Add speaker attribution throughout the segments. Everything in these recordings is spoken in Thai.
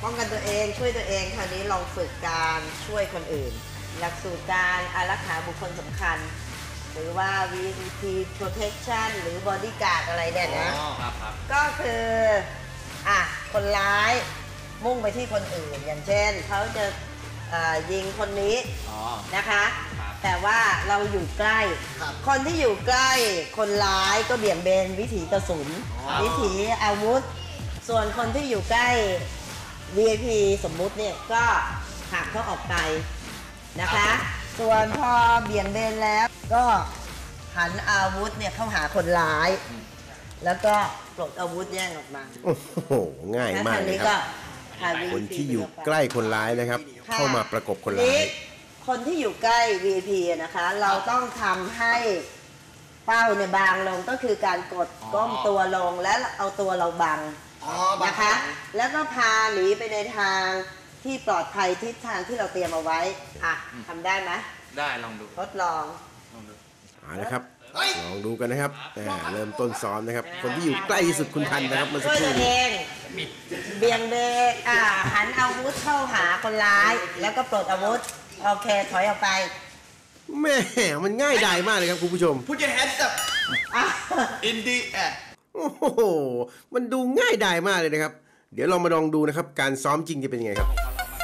Speaker 1: ป้องกันตัวเองช่วยตัวเองคราวนี้ลองฝึกการช่วยคนอื่นหลักสูตรการอารักขาบุคคลสำคัญหรือว่า VVP protection หรือ bodyguard อะไรเนี่ยนะก็คือคนร้ายมุ่งไปที่คนอื่นอย่างเช่นเขาจะยิงคนนี้นะคะแต่ว่าเราอยู่ใกล้คนที่อยู่ใกล้คนร้ายก็เบี่ยงเบนวิถีกระสุนวิถีอาวุธส่วนคนที่อยู่ใกล้ VIP สมมุติเนี่ยก็หักเขาออกไปนะคะส่วนพอเบี่ยงเบนแล้วก็หันอาวุธเนี่ยเข้าหาคนร้ายแล้วก็ปลดอาวุธแย่งออกมา
Speaker 2: โอ้โหง่ายมากเลยครับคนที่อยู่ใกล้คนร้ายนะครับเข้ามาประกบคนร้าย
Speaker 1: คนที่อยู่ใกล้ VIP นะคะเราต้องทำให้เป้าเนี่ยบางลงก็คือการกดก้มตัวลงและเอาตัวเราบังนะคะแล้วก็พาหนีไปในทางที่ปลอดภัยทิศทางที่เราเตรียมเอาไว้ทำได้ไหมได้ลองดูทดลอง
Speaker 2: เอาละครับลองดูกันนะครับเริ่มต้นซ้อมนะครับคนที่อยู่ใกล้ที่สุดคุณทันนะครับเมื่อสักครู่
Speaker 1: นี้เบี่ยงเบนหันอาวุธเข้าหาคนร้ายแล้วก็ปลดอาวุธโอเคถอยออกไป
Speaker 2: แม่มันง่ายดายมากเลยครับคุณผู้ชม
Speaker 3: Put your hands up in the air
Speaker 2: โอ้โหมันดูง่ายดายมากเลยนะครับเดี๋ยวเรามาลองดูนะครับการซ้อมจริงจะเป็นยังไงครับ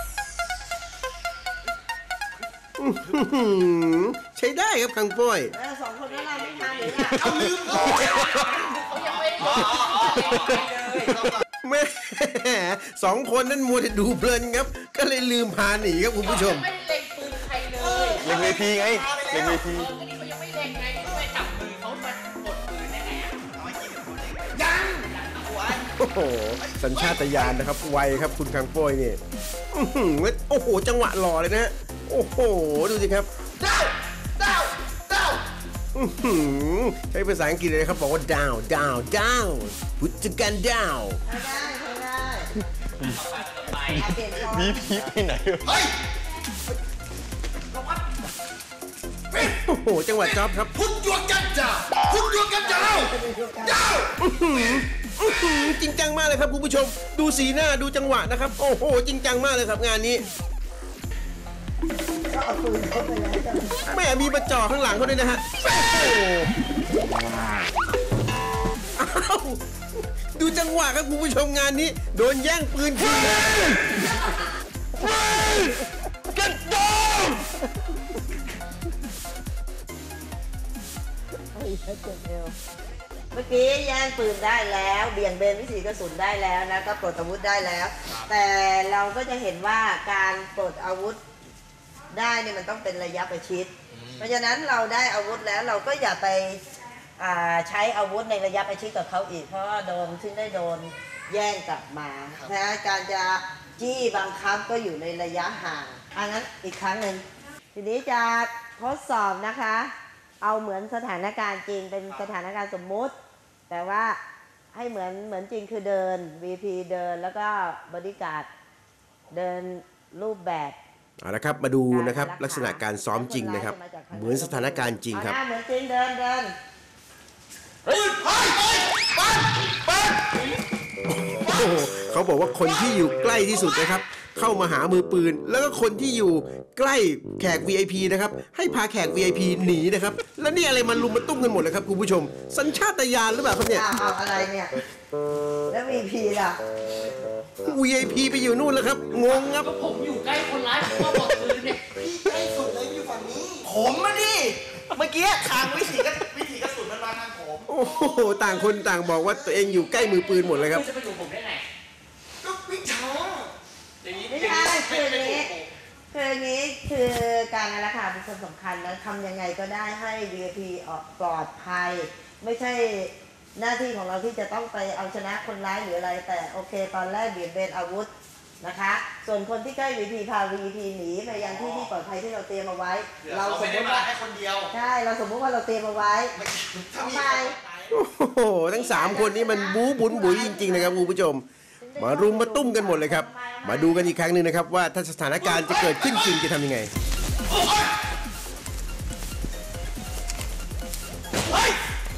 Speaker 2: ใช้ได้ครับคังป้อย
Speaker 1: สองคนนั้นเราไม่ทันหรือเอาลืม
Speaker 2: แม่สองคนนั้นมัวแต่ดูเพลินครับก็เลยลืมพาหนีครับคุณผู้ชม
Speaker 4: ไม่เล็งปืนใครเลย
Speaker 3: เล็งเวทีไงเล็งเวที
Speaker 4: ก็นี่เขายังไม่เล็งไงไม่จับมือเขามากดปืนได้ไง
Speaker 3: ยัง
Speaker 2: โอ้โหสัญชาตญาณนะครับไวครับคุณคังป้อยนี่โอ้โหจังหวะหล่อเลยนะโอ้โหดูสิครับ
Speaker 3: ดาว
Speaker 2: ใช้ภาษาอังกฤษเลยครับบอกว่า down put your gun down
Speaker 3: มีพีไปไหนเฮ้ย
Speaker 2: โอ้โหจังหวะจ๊อบครับ
Speaker 3: Put your gun down
Speaker 2: จริงจังมากเลยครับคุณผู้ชมดูสีหน้าดูจังหวะนะครับโอ้โหจริงจังมากเลยครับงานนี้แม่มีมาจ่อข้างหลังเขาด้วยนะฮะดูจังหวะครับคุณผู้ชมงานนี้โดนแย่งปืนคืน
Speaker 3: กันโดน
Speaker 1: เมื่อกี้แย่งปืนได้แล้วเบี่ยงเบนวิถีกระสุนได้แล้วนะก็ปลดอาวุธได้แล้วแต่เราก็จะเห็นว่าการปลดอาวุธได้เนี่ยมันต้องเป็นระยะประชิดเพราะฉะนั้นเราได้อาวุธแล้วเราก็อย่าไปใช้อาวุธในระยะประชิดกับเขาอีกเพราะว่าซึ่งได้โดนแย่งกลับมานะการจะจี้บังคับก็อยู่ในระยะห่างงั้นอีกครั้งหนึ่งทีนี้จะทดสอบนะคะเอาเหมือนสถานการณ์จริงเป็นสถานการณ์สมมุติแต่ว่าให้เหมือนจริงคือเดิน VP เดินแล้วก็บอดี้การ์ดเดินรูปแบบ
Speaker 2: เอาละครับมาดูนะครับลักษณะการซ้อมจริงนะครับเหมือนสถานการณ์จริงครับ
Speaker 1: เหมือนจริงเดิน
Speaker 2: เขาบอกว่าคนที่อยู่ใกล้ที่สุดนะครับเข้ามาหามือปืนแล้วก็คนที่อยู่ใกล้แขก VIP นะครับให้พาแขก VIP หนีนะครับแล้วนี่อะไรมันลุมมาตุ้มกันหมดเลยครับคุณผู้ชมสัญชาตญาณหรือเปล่าครับเนี่ย
Speaker 1: อะไรเนี่ยแล้ว VIP ล่ะ
Speaker 2: VIP ไปอยู่นู่นแล้วครับงงครับ
Speaker 4: ผมอยู่ใกล้คนร้ายผมก็บอกปืนเนี่ย
Speaker 3: ใกล้สุดเลยอยู่ฝั่งนี้ผมมาดิเมื่อกี้ทางวิถีกระสุนมันมาทางผม
Speaker 2: โอ้โหต่างคนต่างบอกว่าตัวเองอยู่ใกล้มือปืนหมดเลยครับ
Speaker 4: จะไปอยู่ผมได้ไง
Speaker 3: ก็วิชา
Speaker 1: ไม่ใช่คือนี้คือการอารักขาเป็นคนสำคัญแล้วทำยังไงก็ได้ให้ VIP ออกปลอดภัยไม่ใช่หน้าที่ของเราที่จะต้องไปเอาชนะคนร้ายหรืออะไรแต่โอเคตอนแรกเบี่ยงเบนอาวุธนะคะส่วนคนที่ใกล้ VIP พา VIP หนีไปยังที่ปลอดภัยที่เราเตรียมเอาไว้
Speaker 3: เราสมมติว่าแค่คนเดียว
Speaker 1: ใช่เราสมมติว่าเราเตรียมเอาไว้ทำไม
Speaker 2: โอ้โหทั้ง3คนนี้มันบู๊บุญบุ๋ยจริงๆนะครับคุณผู้ชมมารุมมาตุ้มกันหมดเลยครับมาดูกันอีกครั้งหนึ่งนะครับว่าถ้าสถานการณ์จะเกิดขึ้นจริงจะทำยังไงโอ้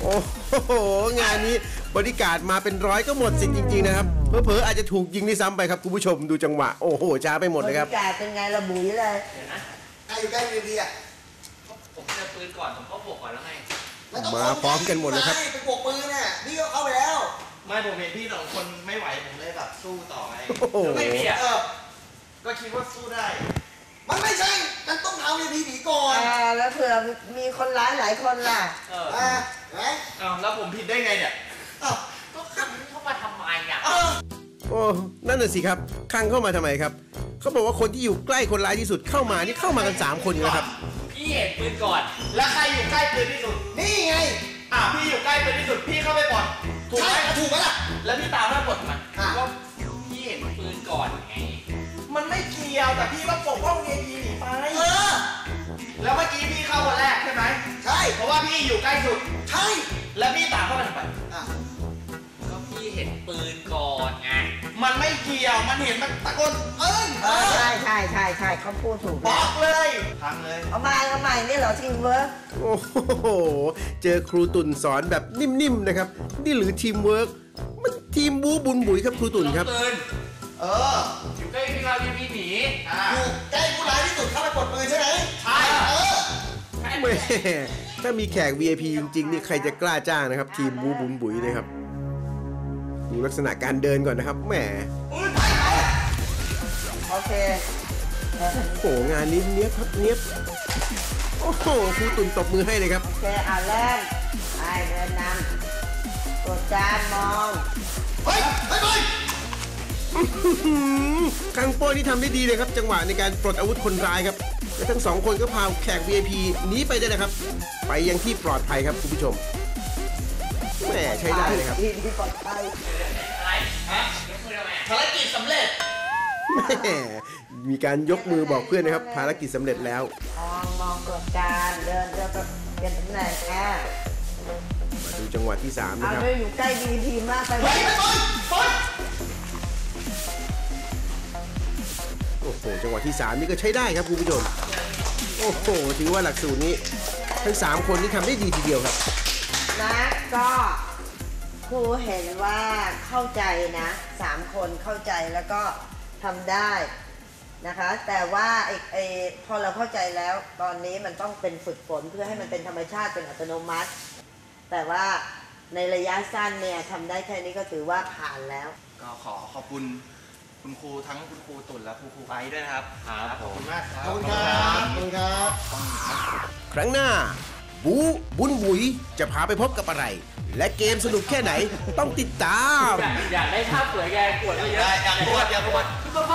Speaker 2: โอ้โหงานนี้บริการดมาเป็นร้อยก็หมดสิทธิ์จริงๆนะครับเผลอๆอาจจะถูกยิงด้วยซ้ำไปครับคุณผู้ชมดูจังหวะโอ้โหช้าไปหมดเลยครับ
Speaker 1: บรรยากาศเป็นไงระบุยเลย
Speaker 4: เดี๋ยวนะ
Speaker 3: ใครอยู่ใกล้ดีๆอ่ะ
Speaker 4: ผมเจอปืนก่อนผมก็บวกก่อนแล้วไง
Speaker 2: มาพร้อมกันหมดเลยครับ
Speaker 3: ไปบวกปืนน่ะพี่ก็เข้าไปแล้ว ไม่ผมเห็นพี่สองคนไม่ไหวผมเลยแบบสู้ต่อไง
Speaker 2: โอ้โห
Speaker 4: ไม่มีอ่ะ
Speaker 3: ก็คิดว่าสู้ได้ มันไม่ใช่ มันต้องเอาในพีผีก่อน
Speaker 1: แล้วเผื่อมีคนร้ายหลายคนล่ะ
Speaker 3: ไหน
Speaker 4: แล้วผมผิดได้ไงเนี่ยก็ขังเข้ามาทำไมอ่ะ
Speaker 2: โอ้นั่นน่ะสิครับคังเข้ามาทำไมครับเขาบอกว่าคนที่อยู่ใกล้คนร้ายที่สุดเข้ามานี่เข้ามากัน3คนอยู่แล้วครับ
Speaker 4: พี่เห็นปืนก่อน
Speaker 3: แล้วใครอยู่ใกล้ปืนที่สุด นี่ไง
Speaker 4: พี่อยู่ใกล้ปืนที่สุดพี่เข้าไปก่อนถูกไหม
Speaker 3: ถูกไหมล่ะ
Speaker 4: แล้วพี่ตามมาปลดมัน
Speaker 3: อ่ะ
Speaker 4: ก็พี่เห็นปืนก่อนไง
Speaker 3: มันไม่เกี่ยวแต่พี่ก็ปกป้องเอพีหนีไปแล้วเมื่อกี้พี่เข้าคนแรกใช่ไหมใช่ เพราะว่าพี่อยู่ใกล้สุด ใช่ แล้วพี่ตามเข้าไปทำไม
Speaker 4: ก็พี่เห็นปืนก่อนไง
Speaker 3: มันไม่เกี่ยว มันเห็นมันตะโกน
Speaker 1: ใช่เขาพูดถูก
Speaker 3: บอกเลยทำเลย
Speaker 1: เอาใหม่นี่เหรอทีมเวิร์ก
Speaker 2: โอ้โหเจอครูตุ่นสอนแบบนิ่มๆนะครับนี่หรือทีมเวิร์กมันทีมบู๊บุญบุ๋ยครับครูตุ่นครับ
Speaker 4: ปืน อยู่ใกล้พี่เราพี่หนี
Speaker 3: อยู่ใกล้ผู้ร้ายที่สุดเข้าไปปลดปืนใช่ไหม
Speaker 4: ใช่
Speaker 2: แม่ถ้ามีแขก VIP จริงๆนี่ใครจะกล้าจ้างนะครับทีมบู๊บุญบุ๋ยนะครับดูลักษณะการเดินก่อนนะครับแหม
Speaker 1: โอเค
Speaker 2: โอ้โหงานนี้เนี้ยบครับเนี้ยบโอ้โหครูตุ่นตบมือให้เลยครับ
Speaker 1: โอเคเริ่มไปเดินนำกดจานมอง
Speaker 3: เฮ้ยเฮ้ยเฮ้ย
Speaker 2: คังโป้นี่ทำได้ดีเลยครับจังหวะในการปลดอาวุธคนร้ายครับและทั้ง2คนก็พาแขก VIP หนีไปได้เลยครับ ไปยังที่ปลอดภัยครับคุณผู้ชมแหมใช้ได้เลยครับ
Speaker 1: ที่ปลอดภัย
Speaker 4: อะไรฮะยกมือทำไม
Speaker 3: ภารกิจสำเร็จ
Speaker 2: แหมมีการยกมือบอกเพื่อนนะครับภารกิจสำเร็จแล้ว
Speaker 1: มองกดจานเดินไปเปลี่ยนตำแหน่ง
Speaker 2: มาดูจังหวะที่3
Speaker 1: เอา
Speaker 2: นะครับ
Speaker 1: เลยอยู่ใกล้ดีพีมากไป
Speaker 3: เฮ้ยเฮ้ย
Speaker 2: โอ้โหจังหวะที่3นี่ก็ใช้ได้ครับคุณผู้ชมโอ้โหถือว่าหลักสูตรนี้ทั้ง3คนนี่ทำได้ดีทีเดียวครับ
Speaker 1: นะก็ครูเห็นว่าเข้าใจนะ3คนเข้าใจแล้วก็ทำได้นะคะ แต่ว่าพอเราเข้าใจแล้วตอนนี้มันต้องเป็นฝึกฝนเพื่อให้มันเป็นธรรมชาติเป็นอัตโนมัติ แต่ว่าในระยะสั้นเนี่ยทำได้แค่นี้ก็ถือว่าผ่านแล้ว
Speaker 3: ก็ขอบคุณคุณครูทั้งคุณครูตุ่นและคุณครูไอซ์ด้วยนะครับ ขอบคุณมากครับ
Speaker 2: ขอบคุณครับ ครั้งหน้า บูบุญบุ๋ยจะพาไปพบกับอะไร และเกมสนุกแค่ไหนต้องติดตาม
Speaker 4: อยากได้ภาพสวยแกปวดเยอะ
Speaker 3: อยากปวด